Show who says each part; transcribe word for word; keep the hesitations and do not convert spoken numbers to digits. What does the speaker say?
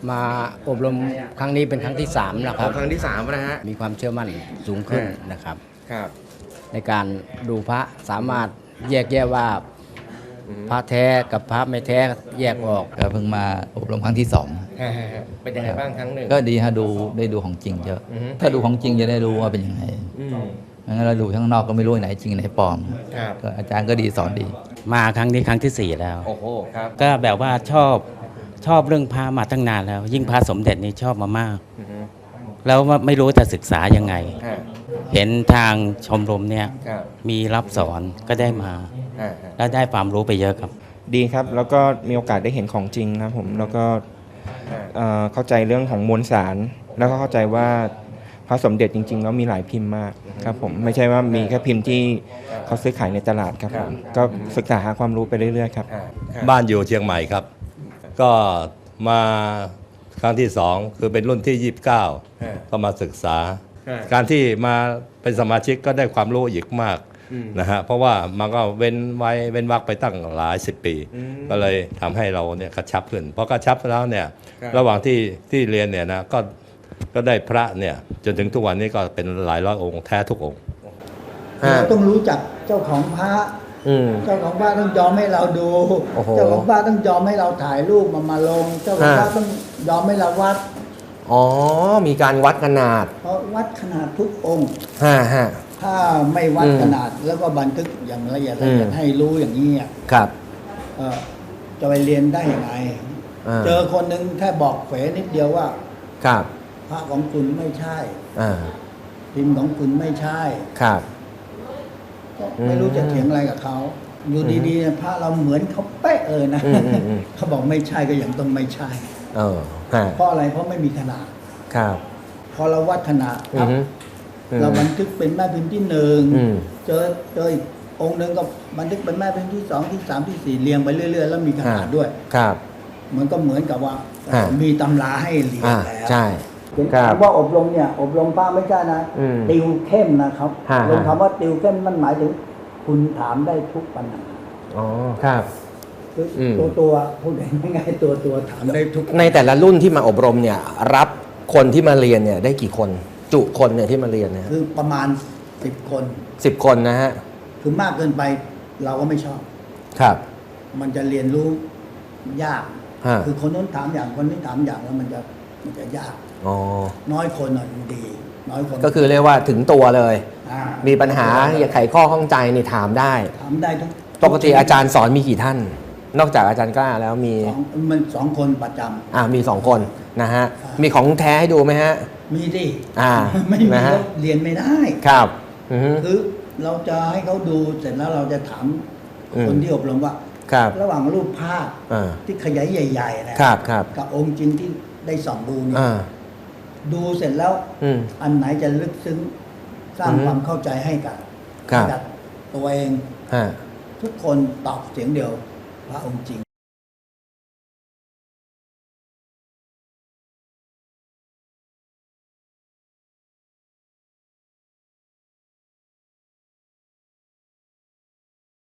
Speaker 1: มาอบรมครั้งนี้เป็นครั้งที่สามนะค
Speaker 2: อ๋
Speaker 1: รั
Speaker 2: อบ ครั้งที่สามนะฮะ
Speaker 1: มีความเชื่อมั่นสูงขึ้นนะครับ
Speaker 2: ครับ
Speaker 1: ในการดูพระสามารถแยกแยะว่าพระแท้กับพระไม่แท้แยกออก
Speaker 3: ก็เพิ่งมาอบรมครั้งที่สอง
Speaker 2: เป็นยังไงบ้างครั้งหนึ่ง
Speaker 3: ก็ดีฮะดูได้ดูของจริงเยอะ
Speaker 2: อือฮึ
Speaker 3: ถ้าดูของจริงจะได้รู้ว่าเป็นยังไง
Speaker 2: อืม
Speaker 3: งั้นเราดูข้างนอกก็ไม่รู้ไหนจริงไหนปลอม
Speaker 2: ครับ
Speaker 3: ก็อาจารย์ก็ดีสอนดี
Speaker 4: มาครั้งนี้ครั้งที่สี่แล้ว
Speaker 2: โอ้โหครับ
Speaker 4: ก็แบบว่าชอบชอบเรื่องพระมาตั้งนานแล้ว ยิ่งพระสมเด็จนี่ชอบมามาก
Speaker 2: อือฮึ
Speaker 4: แล้วไม่รู้จะศึกษายังไง
Speaker 2: ฮะ
Speaker 4: เห็นทางชมรมเนี่ย
Speaker 2: ครับ
Speaker 4: มีรับสอนก็ได้มา
Speaker 2: ฮะฮะ
Speaker 4: แล้วได้ความรู้ไปเยอะครับ
Speaker 5: ดีครับ แล้วก็มีโอกาสได้เห็นของจริงนะครับผมแล้วก็เอ่อเข้าใจเรื่องของมวลสาร แล้วก็เข้าใจว่าพระสมเด็จจริงๆแล้วมีหลายพิมพ์มากครับผมไม่ใช่ว่ามีแค่พิมพ์ที่เขาซื้อขายในตลาดครับผมก็ศึกษาหาความรู้ไปเรื่อยๆครับ
Speaker 2: ฮะฮะ
Speaker 6: บ้านอยู่เชียงใหม่ครับ ก็มาครั้งที่สองคือเป็นรุ่นที่ ยี่สิบเก้า
Speaker 2: ฮะ
Speaker 6: ก็มาศึกษา
Speaker 2: ฮะ
Speaker 6: การที่มาเป็นสมาชิกก็ได้ความรู้อีกมาก
Speaker 2: อืม
Speaker 6: นะฮะเพราะว่ามันก็เว้นไว้เว้นวักไปตั้งหลายสิบปี
Speaker 2: อืม
Speaker 6: ก็เลยทำให้เราเนี่ยกระชับขึ้นเพราะกระชับแล้วเนี่ย
Speaker 2: ครับ
Speaker 6: ระหว่างที่ที่เรียนเนี่ยนะก็ก็ได้พระเนี่ยจนถึงทุกวันนี้ก็เป็นหลายร้อยองค์แท้ทุกองค์
Speaker 2: ฮะ
Speaker 7: เราต้องรู้จักเจ้าของพระ
Speaker 2: อืม
Speaker 7: เจ้าของพระต้องยอมให้เราดู
Speaker 2: โอ้โห
Speaker 7: เจ้าของพระต้องยอมให้เราถ่ายรูปมามาลง เจ้าของพระ
Speaker 2: ฮะ
Speaker 7: ต้องยอมให้เราวัด
Speaker 2: อ๋อ มีการวัดขนาด
Speaker 7: เพราะวัดขนาดทุกองค์
Speaker 2: ฮะฮะ
Speaker 7: ถ้าไม่วัด
Speaker 2: อืม
Speaker 7: ขนาดแล้วก็บันทึกอย่างละเอียด
Speaker 2: อื
Speaker 7: ละ
Speaker 2: ม
Speaker 7: เอียดให้รู้อย่างนี้อ่ะ
Speaker 2: ครับ
Speaker 7: เอ่อจะไปเรียนได้ยังไง
Speaker 2: อ่า
Speaker 7: เจอคนหนึ่งแค่บอกเฝนิดเดียวว่า
Speaker 2: ครับ
Speaker 7: พระของคุณไม่ใช่
Speaker 2: อ่า
Speaker 7: พิมพ์ของคุณไม่ใช่
Speaker 2: ครับ
Speaker 7: ก็ไม่รู้จะเถียงอะไรกับเขา อยู่ดีๆเนี่ยพระเราเหมือนเขาเป๊ะเลยนะ
Speaker 2: อืมอืมอืม
Speaker 7: เขาบอกไม่ใช่ก็ยังต้องไม่ใช่
Speaker 2: เออฮะ
Speaker 7: เพราะอะไรเพราะไม่มีขนาด
Speaker 2: ครับ
Speaker 7: พอเราวัดขนาด
Speaker 2: อือฮึอืม
Speaker 7: เราบันทึกเป็นแม่พิมพ์ที่หนึ่ง
Speaker 2: อืม
Speaker 7: เจอเจออีกองค์หนึ่งก็บันทึกเป็นแม่พิมพ์ที่สองที่สามที่สี่เรียงไปเรื่อยๆแล้วมีขนาดด้วย
Speaker 2: ครับ
Speaker 7: มันก็เหมือนกับว่า
Speaker 2: อ่า
Speaker 7: มีตำราให้เรียน
Speaker 2: อ่า
Speaker 7: แล้ว
Speaker 2: ใช่
Speaker 7: ถึง
Speaker 2: ครับ
Speaker 7: คำว่าอบรมเนี่ย อบรมพระไม่ใช่นะ
Speaker 2: อืม
Speaker 7: ติวเข้มนะครับ
Speaker 2: ฮะ
Speaker 7: ลงคำว่าติวเข้มมันหมายถึง คุณถามได้ทุกปัญหา
Speaker 2: อ๋อ ครับ
Speaker 7: คืออ
Speaker 2: ม
Speaker 7: ตัวตัวพูดง่ายๆตัวตัวถามได้ทุก
Speaker 2: ในแต่ละรุ่นที่มาอบรมเนี่ย รับคนที่มาเรียนเนี่ยได้กี่คน จุคนเนี่ยที่มาเรียนเนี่ย
Speaker 7: คือประมาณสิบคน
Speaker 2: สิบคนนะฮะ
Speaker 7: คือมากเกินไปเราก็ไม่ชอบ
Speaker 2: ครับ
Speaker 7: มันจะเรียนรู้ยาก
Speaker 2: ฮะ
Speaker 7: คือคนนู้นถามอย่างคนนี้ถามอย่างแล้วมันจะมันจะยาก
Speaker 2: อ๋อ
Speaker 7: น้อยคนอ่ะดี น้อยคน
Speaker 2: ก็คือเรียกว่าถึงตัวเลย
Speaker 7: อ่า
Speaker 2: มีปัญหาอยากไขข้อข้องใจนี่ถามได้
Speaker 7: ถามได้ทุก
Speaker 2: ปกติอาจารย์สอนมีกี่ท่าน นอกจากอาจารย์กล้าแล้วมี
Speaker 7: สองมันสองคนประจำ
Speaker 2: อ่ามีสองคนนะฮะ
Speaker 7: ครับ
Speaker 2: มีของแท้ให้ดูไหมฮะ
Speaker 7: มีดิ
Speaker 2: อ่า
Speaker 7: ไม่มี
Speaker 2: นะฮะ
Speaker 7: แล้วเรียนไม่ได้
Speaker 2: ครับอือฮึ
Speaker 7: คือเราจะให้เขาดูเสร็จแล้วเราจะถาม
Speaker 2: อืม
Speaker 7: คนที่อบรมว่า
Speaker 2: ครับ
Speaker 7: ระหว่างรูปภาพ
Speaker 2: อ่า
Speaker 7: ที่ขยายใหญ่ๆนะครับ
Speaker 2: ครับ
Speaker 7: กับองค์จริงที่ได้ส่องดูเนี่ย
Speaker 2: อ่า
Speaker 7: ดูเสร็จแล้ว
Speaker 2: อืม
Speaker 7: อันไหนจะลึกซึ้งสร้าง
Speaker 2: อือฮึ
Speaker 7: ความเข้าใจให้กับ
Speaker 2: ครับ
Speaker 7: ให้กับตัวเอง
Speaker 2: ฮะ
Speaker 7: ทุกคนตอบเสียงเดียวพระองค์จริง